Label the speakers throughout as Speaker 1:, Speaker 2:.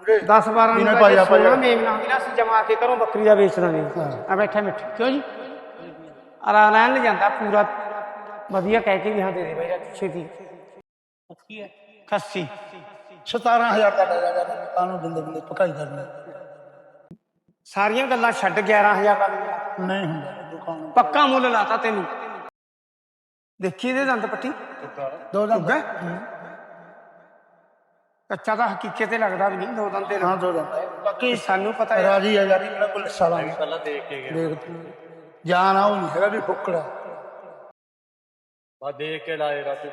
Speaker 1: 10 12
Speaker 2: ਇਹਨੇ
Speaker 1: ਨੂੰ
Speaker 2: ਪਾਇਆ
Speaker 1: ਸੋਨਾ ਮੇਮਨਾ ਵੀ ਨਾ ਅਸੀਂ ਜਮਾ ਕੇ ਘਰੋਂ ਬੱਕਰੀ ਦਾ ਵੇਚ ਦਾਂਗੇ ਆ ਬੈਠਾ ਮਿੱਠ ਕਿਉਂ ਜੀ ਅਰਾ ਲੈਣ ਲੈ ਜਾਂਦਾ ਪੂਰਾ ਵਧੀਆ ਕਹਿ ਕੇ ਵੀ ਹਾਂ ਦੇ ਦੇ ਬਾਈ ਰਾਜੂ ਛੇਤੀ ਖੱਸੀ
Speaker 2: 17,000 ਦਾ ਲੈ ਜਾ ਕਾਨੂੰ ਦਿੰਦੇ ਦਿੰਦੇ ਪਕਾਈ ਕਰਨੀ
Speaker 1: ਸਾਰੀਆਂ ਗੱਲਾਂ ਛੱਡ 11000 ਦਾ
Speaker 2: ਨਹੀਂ ਹੁੰਦਾ ਦੁਕਾਨ
Speaker 1: ਪੱਕਾ ਮੁੱਲ ਲਾਤਾ ਤੈਨੂੰ ਦੇਖੀ ਇਹਦੇ ਦੰਦ ਪੱਟੀ
Speaker 2: ਦੋ ਦੰਦ
Speaker 1: ਕੱਚਾ ਤਾਂ ਹਕੀਕਤ ਤੇ ਲੱਗਦਾ ਵੀ ਨਹੀਂ ਦੋ ਦੰਦ ਤੇ
Speaker 2: ਹਾਂ ਦੋ ਦੰਦ ਬਾਕੀ
Speaker 1: ਸਾਨੂੰ ਪਤਾ ਹੈ
Speaker 2: ਰਾਜੀ ਆ ਯਾਰ ਮੇਰਾ ਕੋਲ ਸਾਲਾ
Speaker 3: ਪਹਿਲਾਂ ਦੇਖ ਕੇ ਗਿਆ
Speaker 2: ਦੇਖ ਜਾਨ ਆ ਉਹ ਨਹੀਂ ਹੈਗਾ ਵੀ ਫੁੱਕੜਾ
Speaker 3: ਬਾ ਦੇਖ ਕੇ ਲਾਏ ਰਾਜੂ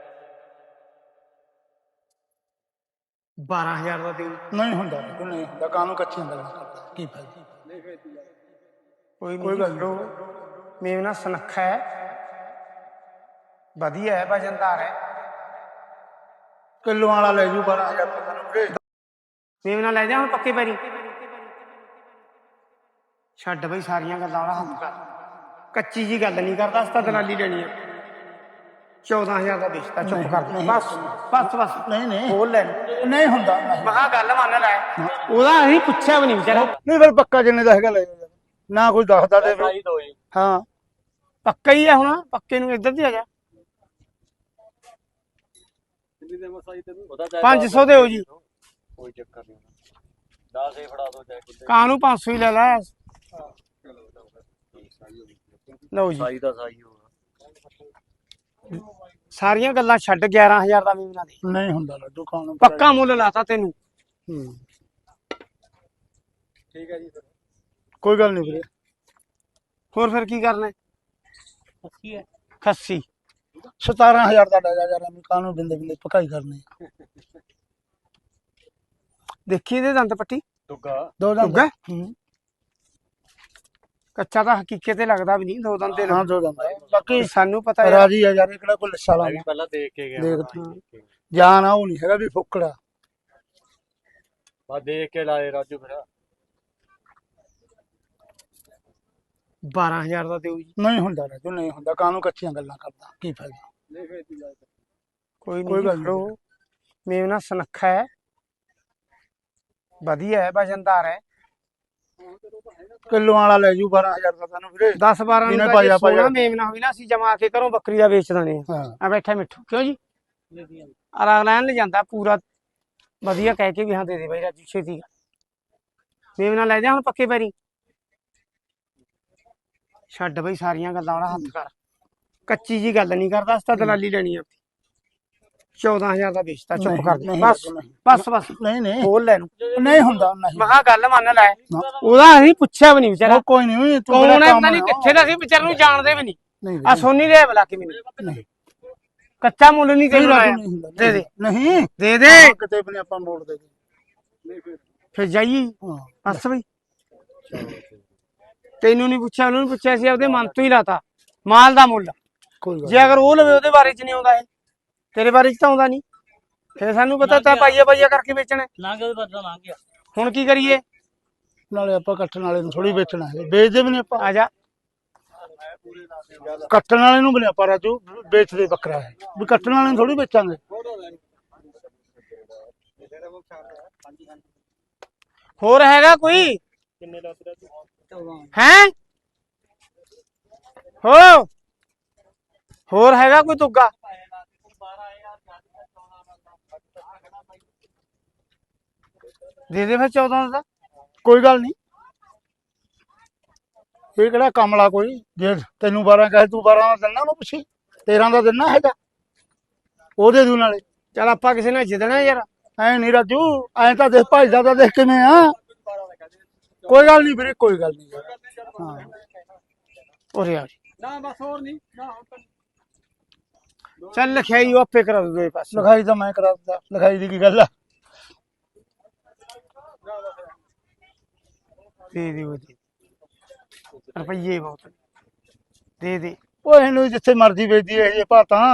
Speaker 1: 12000 ਦਾ ਦੇ
Speaker 2: ਨਹੀਂ ਹੁੰਦਾ ਨਹੀਂ ਹੁੰਦਾ ਕਾਨੂੰ ਕੱਚੀਆਂ ਗੱਲਾਂ ਕਰਦਾ ਕੀ ਫਾਇਦਾ
Speaker 1: ਕੋਈ ਗੱਲ ਨਹੀਂ ਮੇਮਨਾ ਸੁਨੱਖਾ ਹੈ ਵਧੀਆ ਹੈ ਵਜਨਦਾਰ ਹੈ
Speaker 2: ਕਿਲੋ ਵਾਲਾ ਲੈ ਜੂ 12,000 ਦਾ ਤੈਨੂੰ ਵੀਰੇ
Speaker 1: ਮੇਮਨਾ ਲੈ ਜਾ ਹੁਣ ਪੱਕੇ ਪੈਰੀ ਛੱਡ ਬਈ ਸਾਰੀਆਂ ਗੱਲਾਂ ਵਾਲਾ ਹੱਥ ਕਰ ਕੱਚੀ ਜੀ ਗੱਲ ਨਹੀਂ ਕਰਦਾ ਅਸਤਾ ਦਲਾਲੀ ਲੈਣੀ ਆ 14000 ਦਾ ਵੇਚਤਾ ਚੁੱਪ ਕਰ ਬਸ ਬਸ ਬਸ
Speaker 2: ਨਹੀਂ
Speaker 1: ਬੋਲ ਲੈ
Speaker 2: ਨਹੀਂ ਹੁੰਦਾ
Speaker 1: ਮਹਾ ਗੱਲ ਮੰਨ ਲੈ ਉਹਦਾ ਅਸੀਂ ਪੁੱਛਿਆ ਵੀ ਨਹੀਂ ਵਿਚਾਰਾ
Speaker 2: ਨਹੀਂ ਫਿਰ ਪੱਕਾ ਜਿੰਨੇ ਦਾ ਹੈਗਾ ਲੈ ਜਾ ਨਾ ਕੋਈ ਦੱਸਦਾ ਦੇ ਹਾਂ
Speaker 1: ਪੱਕਾ ਹੀ ਹੈ ਹੁਣ ਪੱਕੇ ਨੂੰ ਇੱਧਰ ਦੀ ਆ ਜਾ 500 ਦੇ ਹੋ ਜੀ
Speaker 3: ਕੋਈ ਚੱਕਰ ਨਹੀਂ 10 ਹੀ ਫੜਾ ਦੋ ਚਾਹੇ
Speaker 1: ਕਾਨੂੰ 500 ਹੀ ਲੈ ਲੈ ਲਓ ਜੀ
Speaker 3: ਸਾਈ ਦਾ ਸਾਈ ਹੋਗਾ
Speaker 1: ਸਾਰੀਆਂ ਗੱਲਾਂ ਛੱਡ 11000 ਦਾ ਮੇਮਨਾ ਦੇ
Speaker 2: ਨਹੀਂ ਹੁੰਦਾ ਲੱਡੂ ਖਾਣ
Speaker 1: ਪੱਕਾ ਮੁੱਲ ਲਾਤਾ ਤੈਨੂੰ
Speaker 3: ਠੀਕ ਹੈ ਜੀ ਫਿਰ
Speaker 2: ਕੋਈ ਗੱਲ ਨਹੀਂ ਵੀਰੇ
Speaker 1: ਹੋਰ ਫਿਰ ਕੀ ਕਰਨਾ ਖੱਸੀ
Speaker 2: 17,000 ਦਾ ਲੈ ਜਾ ਯਾਰ ਮੈਂ ਕਾਨੂੰ ਬਿੰਦੇ ਬਿੰਦੇ ਪਕਾਈ ਕਰਨੀ
Speaker 1: ਦੇਖੀ ਇਹਦੇ ਦੰਦ ਪੱਟੀ
Speaker 3: ਦੁੱਗਾ
Speaker 2: ਦੋ ਦੰਦ
Speaker 1: ਕੱਚਾ ਤਾਂ ਹਕੀਕਤ ਤੇ ਲੱਗਦਾ ਵੀ ਨਹੀਂ ਦੋ ਦੰਦ ਤੇ
Speaker 2: ਹਾਂ ਦੋ ਦੰਦ ਬਾਕੀ
Speaker 1: ਸਾਨੂੰ ਪਤਾ ਹੈ
Speaker 2: ਰਾਜੀ ਆ ਯਾਰ ਇਹ ਕਿਹੜਾ ਕੋਈ ਲੱਸਾ ਲਾ
Speaker 3: ਪਹਿਲਾਂ ਦੇਖ ਕੇ ਗਿਆ
Speaker 2: ਦੇਖ ਜਾਨ ਆ ਉਹ ਨਹੀਂ ਹੈਗਾ ਵੀ ਫੁੱਕੜਾ
Speaker 3: ਬਾ ਦੇਖ ਕੇ ਲਾਏ ਰਾਜੂ ਫਿਰ
Speaker 1: 12000 ਦਾ ਦਿਓ ਜੀ
Speaker 2: ਨਹੀਂ ਹੁੰਦਾ ਰਾਜੂ ਨਹੀਂ ਹੁੰਦਾ ਕਾਨੂੰ ਕੱਚੀਆਂ ਗੱਲਾਂ ਕਰਦਾ ਕੀ ਫਾਇਦਾ
Speaker 1: ਕੋਈ ਗੱਲ ਨਹੀਂ ਮੇਮਨਾ ਸੁਨੱਖਾ ਹੈ ਵਧੀਆ ਹੈ ਵਜਨਦਾਰ ਹੈ
Speaker 2: ਕਿਲੋ ਵਾਲਾ ਲੈ ਜੂ 12,000 ਦਾ ਤੈਨੂੰ ਵੀਰੇ
Speaker 1: 10 12
Speaker 2: ਇਹਨੇ
Speaker 1: ਨੂੰ
Speaker 2: ਪਾਇਆ
Speaker 1: ਸੋਨਾ ਮੇਮਨਾ ਹੋਈ ਨਾ ਅਸੀਂ ਜਮਾ ਕੇ ਘਰੋਂ ਬੱਕਰੀ ਦਾ ਵੇਚ ਦਾਂਗੇ
Speaker 2: ਹਾਂ
Speaker 1: ਆ ਬੈਠਾ ਮਿੱਠੂ ਕਿਉਂ ਜੀ ਅਰਾ ਲੈਣ ਲੈ ਜਾਂਦਾ ਪੂਰਾ ਵਧੀਆ ਕਹਿ ਕੇ ਵੀ ਹਾਂ ਦੇ ਦੇ ਬਾਈ ਰਾਜੂ ਛੇਤੀ ਮੇਮਨਾ ਲੈ ਜਾ ਹੁਣ ਪੱਕੇ ਪੈਰੀ ਛੱਡ ਬਈ ਸਾਰੀਆਂ ਗੱਲਾਂ ਵਾਲਾ ਹੱਥ ਕਰ ਕੱਚੀ ਜੀ ਗੱਲ ਨਹੀਂ ਕਰਦਾ ਅਸਤਾ ਦਲਾਲੀ ਲੈਣੀ ਆ 14000 ਦਾ ਵੇਚਤਾ ਚੁੱਪ ਕਰ ਬਸ ਬਸ ਬਸ
Speaker 2: ਨਹੀਂ
Speaker 1: ਬੋਲ ਲੈ
Speaker 2: ਨਹੀਂ ਹੁੰਦਾ ਨਹੀਂ
Speaker 1: ਮਹਾ ਗੱਲ ਮੰਨ ਲੈ ਉਹਦਾ ਅਸੀਂ ਪੁੱਛਿਆ ਵੀ ਨਹੀਂ ਵਿਚਾਰਾ
Speaker 2: ਕੋਈ ਨਹੀਂ ਤੂੰ
Speaker 1: ਕੌਣ ਹੈ ਪਤਾ ਨਹੀਂ ਕਿੱਥੇ ਦਾ ਸੀ ਵਿਚਾਰ ਨੂੰ ਜਾਣਦੇ ਵੀ ਨਹੀਂ ਆ ਸੋਨੀ ਦੇ ਬੁਲਾ ਕੇ ਮੈਨੂੰ ਕੱਚਾ ਮੁੱਲ ਨਹੀਂ ਤੈਨੂੰ ਲਾਇਆ ਦੇ ਦੇ
Speaker 2: ਨਹੀਂ
Speaker 1: ਦੇ ਦੇ
Speaker 2: ਕਿਤੇ ਵੀ ਆਪਾਂ ਮੋੜ ਦੇ
Speaker 1: ਫਿਰ ਜਾਈਏ ਬਸ ਬਈ ਤੈਨੂੰ ਨਹੀਂ ਪੁੱਛਿਆ ਉਹਨੂੰ ਪੁੱਛਿਆ ਸੀ ਉਹਦੇ ਮਨ ਤੋਂ ਹੀ ਲਾਤਾ ਮਾਲ ਦਾ ਮੁੱਲ ਜੇ ਅਗਰ ਉਹ ਲਵੇ ਉਹਦੇ ਬਾਰੇ ਚ ਨਹੀਂ ਆਉਂਦਾ ਇਹ ਤੇਰੇ ਬਾਰੇ ਚ ਤਾਂ ਆਉਂਦਾ ਨਹੀਂ ਫਿਰ ਸਾਨੂੰ ਪਤਾ ਤਾਂ ਪਾਈਆ ਕਰਕੇ ਵੇਚਣਾ ਹੁਣ ਕੀ ਕਰੀਏ
Speaker 2: ਨਾਲੇ ਆਪਾਂ ਕੱਟਣ ਵਾਲੇ ਨੂੰ ਥੋੜੀ ਵੇਚਣਾ ਹੈ ਵੇਚਦੇ ਵੀ ਨਹੀਂ ਆਪਾਂ
Speaker 1: ਆ ਜਾ
Speaker 2: ਕੱਟਣ ਵਾਲੇ ਨੂੰ ਵੀ ਨਹੀਂ ਆਪਾਂ ਰਾਜੂ ਵੇਚਦੇ ਬੱਕਰਾ ਹੈ ਵੀ ਕੱਟਣ ਵਾਲੇ ਨੂੰ ਥੋੜੀ ਵੇਚਾਂਗੇ
Speaker 1: ਹੋਰ ਹੈਗਾ ਕੋਈ ਹੈ ਹੋਰ ਹੈਗਾ ਕੋਈ ਤੁੱਗਾ ਦੇ ਦੇ ਫਿਰ 14 ਦਾ
Speaker 2: ਕੋਈ ਗੱਲ ਨਹੀਂ ਇਹ ਕਿਹੜਾ ਕਮਲਾ ਕੋਈ ਜੇ ਤੈਨੂੰ 12 ਕਹੇ ਤੂੰ 12 ਦਾ ਦਿੰਨਾ ਉਹਨੂੰ ਪੁੱਛੀ 13 ਦਾ ਦਿੰਨਾ ਹੈਗਾ ਉਹਦੇ ਦੂ ਨਾਲੇ
Speaker 1: ਚੱਲ ਆਪਾਂ ਕਿਸੇ ਨਾਲ ਜਿੱਦਣਾ ਯਾਰ
Speaker 2: ਐ ਨਹੀਂ ਰਾਜੂ ਐ ਤਾਂ ਦੇਖ ਭਾਈ ਦਾ ਦੇਖ ਕਿਵੇਂ ਆ ਕੋਈ ਗੱਲ ਨਹੀਂ ਵੀਰੇ ਕੋਈ ਗੱਲ ਨਹੀਂ ਹਾਂ
Speaker 1: ਉਰੇ ਆ ਨਾ ਬਸ ਹੋਰ ਨਹੀਂ ਨਾ ਚੱਲ ਲਿਖਾਈ ਉਹ ਆਪੇ ਕਰਾ ਦੂਗੇ ਪਾਸੇ
Speaker 2: ਲਿਖਾਈ ਤਾਂ ਮੈਂ ਕਰਾ ਦਿੱਤਾ ਲਿਖਾਈ ਦੀ ਕੀ ਗੱਲ ਆ
Speaker 1: ਦੇ ਦੇ ਰੁਪਈਏ ਬਹੁਤ ਦੇ ਦੇ
Speaker 2: ਉਹ ਇਹਨੂੰ ਜਿੱਥੇ ਮਰਜ਼ੀ ਵੇਚਦੀ ਇਹ ਜੇ ਭਾਤਾਂ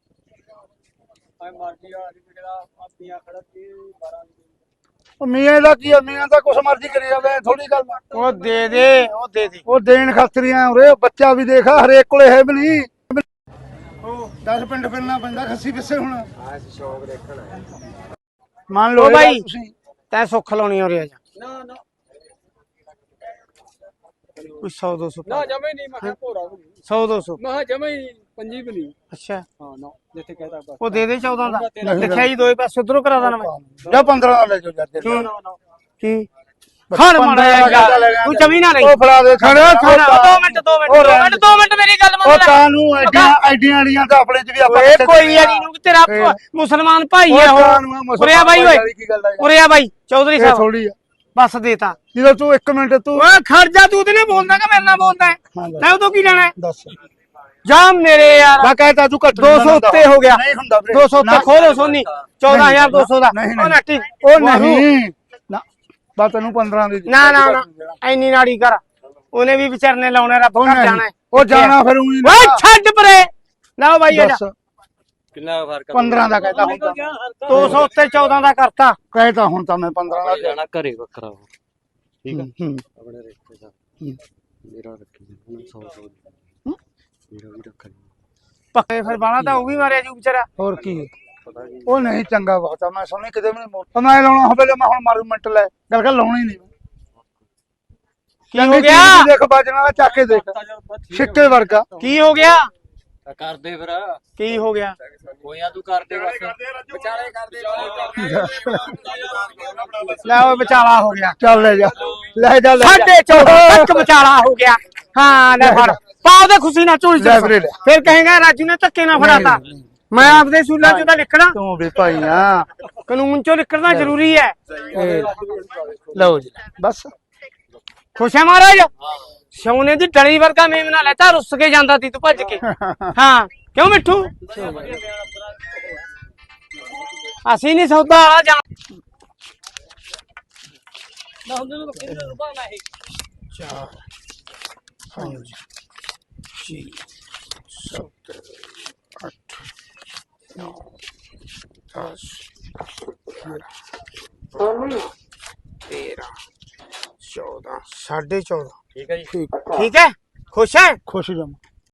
Speaker 2: ਉਹ ਮੀਆਂ ਦਾ ਕੀ ਆ ਮੀਆਂ ਦਾ ਕੁਛ ਮਰਜ਼ੀ ਕਰੀ ਜਾਵੇ ਥੋੜੀ ਗੱਲ
Speaker 1: ਉਹ ਦੇ ਦੇ
Speaker 2: ਉਹ ਦੇਣ ਖਾਤਰੀਆਂ ਉਰੇ ਬੱਚਾ ਵੀ ਦੇਖ ਹਰੇਕ ਕੋਲੇ ਹੈ ਵੀ ਨਹੀਂ 10 ਪਿੰਡ ਫਿਰਨਾ ਪੈਂਦਾ ਖੱਸੀ ਪਿੱਛੇ ਹੁਣ
Speaker 1: ਮੰਨ ਲਓ
Speaker 2: ਬਾਈ ਤੁਸੀਂ
Speaker 1: ਤੈਂ ਸੁੱਖ ਲਾਉਣੀ ਹੋ ਰਿਹਾ ਜਾ
Speaker 3: ਨਾ ਨਾ
Speaker 1: ਕੋਈ 100 200
Speaker 3: ਨਾ ਜਮੇ ਨਹੀਂ ਮੈਂ ਕਿਹਾ ਭੋਰਾ
Speaker 1: 100 200
Speaker 3: ਮੈਂ ਜਮੇ ਹੀ ਪੰਜੀ ਵੀ ਨਹੀਂ
Speaker 1: ਅੱਛਾ
Speaker 3: ਹਾਂ ਨਾ ਜਿੱਥੇ ਕਹਤਾ ਬਸ
Speaker 1: ਉਹ ਦੇ ਦੇ 14 ਦਾ
Speaker 2: ਨਹੀਂ,
Speaker 1: ਲਿਖਿਆ ਜੀ ਦੋਏ ਪਾਸੇ ਉਧਰੋਂ ਕਰਾ ਦੇਣਾ ਮੈਂ
Speaker 2: ਜਾਂ 15 ਦਾ ਲੈ ਜਾਓ ਯਾਰ ਤੇਰੇ
Speaker 1: ਕਿਉਂ
Speaker 2: ਨਾਲ।
Speaker 1: ਕੀ
Speaker 2: ਬਸ
Speaker 1: ਖੜ
Speaker 2: 15
Speaker 1: ਮਾੜਾ
Speaker 2: ਦਾ
Speaker 1: ਜਿਹਾ
Speaker 2: ਲੈ ਜਾ।
Speaker 1: ਤੂੰ ਜਮੀ ਨਾ ਰਹੀ
Speaker 2: ਉਹ ਫੜਾ ਦੇ
Speaker 1: ਖੜ 2 ਮਿੰਟ 2 ਮਿੰਟ 2 ਮਿੰਟ ਮੇਰੀ ਗੱਲ
Speaker 2: ਉਹ
Speaker 1: ਮੰਨ ਲੈ
Speaker 2: ਕਾਨੂੰ ਐਡੀਆਂ ਆੜੀਆਂ ਤਾਂ ਆਪਣੇ ਚ ਵੀ ਆਪਾਂ
Speaker 1: ਓਏ ਕੋਈ ਯਾਰੀ ਨੂੰ ਤੇਰਾ ਮੁਸਲਮਾਨ ਭਾਈ ਹੈ ਉਹ ਉਰਿਆ ਬਾਈ ਓਏ ਉਰਿਆ ਬਾਈ ਚੌਧਰੀ ਸਾਹਿਬ
Speaker 2: ਥੋੜੀ ਆ
Speaker 1: ਬਸ ਦੇਤਾ
Speaker 2: ਜਦੋਂ ਤੂੰ 1 ਮਿੰਟ ਤੂੰ
Speaker 1: ਓਏ ਖੜ ਜਾ ਤੂੰ ਤੇ ਨਾ ਬੋਲਦਾ ਕਿ ਮੇਰੇ ਨਾਲ ਬੋਲਦਾ ਹੈ
Speaker 2: ਹਾਂ ਦੱਸ।
Speaker 1: ਤੈਂ ਉਹ ਤੋਂ ਕੀ ਲੈਣਾ ਹੈ?
Speaker 2: ਦੱਸ
Speaker 1: ਜਾ ਮੇਰੇ ਯਾਰ
Speaker 2: ਮੈਂ ਕਹਿਤਾ ਤੂੰ ਘੱਟ
Speaker 1: 200 ਉੱਤੇ ਹੋ ਗਿਆ
Speaker 2: ਨਹੀਂ ਹੁੰਦਾ ਵੀਰੇ
Speaker 1: 200 ਉੱਤੇ ਖੋਲੋ ਸੋਨੀ 14200 ਦਾ
Speaker 2: ਨਹੀਂ,
Speaker 1: ਉਹ
Speaker 2: ਨਹੀਂ।
Speaker 1: ਨੱਟੀ
Speaker 2: ਉਹ ਨਹੀਂ ਨਾ ਬਸ ਤੈਨੂੰ 15 ਦੀ
Speaker 1: ਨਾ ਨਾ ਨਾ ਐਨੀ ਨਾੜੀ ਕਰ ਉਹਨੇ ਵੀ ਵਿਚਰਨੇ ਲਾਉਣੇ ਰੱਬ
Speaker 2: ਉਹ
Speaker 1: ਘਰ
Speaker 2: ਨਹੀਂ
Speaker 1: ਜਾਣਾ ਹੈ।
Speaker 2: ਉਹ ਜਾਣਾ ਫਿਰ ਉਹੀ
Speaker 1: ਓਏ ਛੱਡ ਪਰੇ ਨਾ ਬਾਈ ਆ ਜਾ
Speaker 2: ਦੱਸ
Speaker 3: ਕਿੰਨਾ ਫਰਕ
Speaker 2: 15 ਦਾ ਕਹਿਤਾ ਹੁਣ ਤਾਂ
Speaker 1: 200 ਉੱਤੇ 14 ਦਾ ਕਰਤਾ
Speaker 2: ਕਹਿਤਾ ਹੁਣ ਤਾਂ ਮੈਂ 15 ਦਾ
Speaker 3: ਜਾਣਾ ਘਰੇ ਵੱਖਰਾ ਠੀਕ ਆ
Speaker 2: ਹੂੰ
Speaker 3: ਆਪਣੇ ਰਿਸ਼ਤੇਦਾਰ
Speaker 2: ਹੂੰ।
Speaker 3: ਮੇਰਾ ਰੱਖੀ ਹੁਣ 100 ਮੇਰਾ ਵੀ ਰੱਖ ਲਈ
Speaker 1: ਪੱਕੇ ਫਿਰ ਬਾਣਾ ਤਾਂ ਉਹ ਵੀ ਮਾਰਿਆ ਜੂ ਵਿਚਾਰਾ
Speaker 2: ਹੋਰ ਕੀ
Speaker 3: ਪਤਾ ਕੀ
Speaker 2: ਉਹ ਨਹੀਂ ਚੰਗਾ ਬਹੁਤ ਆ ਮੈਂ ਸੁਣੀ ਕਿਤੇ ਵੀ ਨਹੀਂ ਮੋੜ ਮੈਂ ਲਾਉਣਾ ਹੋਵੇ ਮੈਂ ਹੁਣ ਮਾਰੂ ਮਿੰਟ ਲੈ ਗੱਲ ਕਰ ਲਾਉਣੀ ਨਹੀਂ
Speaker 1: ਕੀ ਹੋ ਗਿਆ
Speaker 2: ਦੇਖ ਬਾਜਣਾ ਦਾ ਚੱਕ ਕੇ ਦੇਖ ਛਿੱਕੇ ਵਰਗਾ
Speaker 1: ਕੀ ਹੋ ਗਿਆ
Speaker 3: ਕਰਦੇ ਫਿਰ
Speaker 1: ਕੀ ਹੋ ਗਿਆ
Speaker 3: ਕੋਈਆਂ ਤੂੰ ਕਰਦੇ ਬਸ ਵਿਚਾਲੇ ਕਰਦੇ
Speaker 1: ਲੈ ਓਏ ਵਿਚਾਲਾ ਹੋ ਗਿਆ
Speaker 2: ਚੱਲ ਲੈ ਜਾ ਲੈ ਜਾ
Speaker 1: 14.5 ਤੱਕ ਵਿਚਾਲਾ ਹੋ ਗਿਆ ਹਾਂ ਲੈ ਫੜ ਪਾਉ ਦੇ ਖੁਸ਼ੀ ਨਾਲ ਝੋਲੀ
Speaker 2: ਲੈ
Speaker 1: ਚ
Speaker 2: ਵੀਰੇ ਲੈ।
Speaker 1: ਫਿਰ ਕਹੇਗਾ ਰਾਜੂ ਨੇ ਧੱਕੇ ਨਾਲ ਫੜਾਤਾ ਮੈਂ ਆਪਦੇ ਸੂਲਾਂ ਚੋਂ ਤਾਂ ਲਿਖਣਾ
Speaker 2: ਤੂੰ ਵੀ ਭਾਈ ਆ
Speaker 1: ਕਾਨੂੰਨ ਚੋਂ ਲਿਖਣਾ ਜ਼ਰੂਰੀ ਹੈ
Speaker 2: ਲਓ ਜੀ ਬਸ
Speaker 1: ਖੁਸ਼ ਹੈ ਮਹਾਰਾਜ ਸੋਨੇ ਦੀ ਡਲੀ ਵਰਗਾ ਮੇਮਨਾ ਲੈਤਾ ਰੁੱਸ ਕੇ ਜਾਂਦਾ ਤੀ ਤੂੰ ਭੱਜ ਕੇ ਹਾਂ ਕਿਉਂ ਮਿੱਠੂ ਅਸੀਂ ਨਹੀਂ ਸੌਦਾ ਆ ਜਾ
Speaker 3: ਠੀਕ ਹੈ ਜੀ
Speaker 1: ਠੀਕ ਹੈ ਖੁਸ਼ ਹੈ
Speaker 2: ਖੁਸ਼ ਜਮ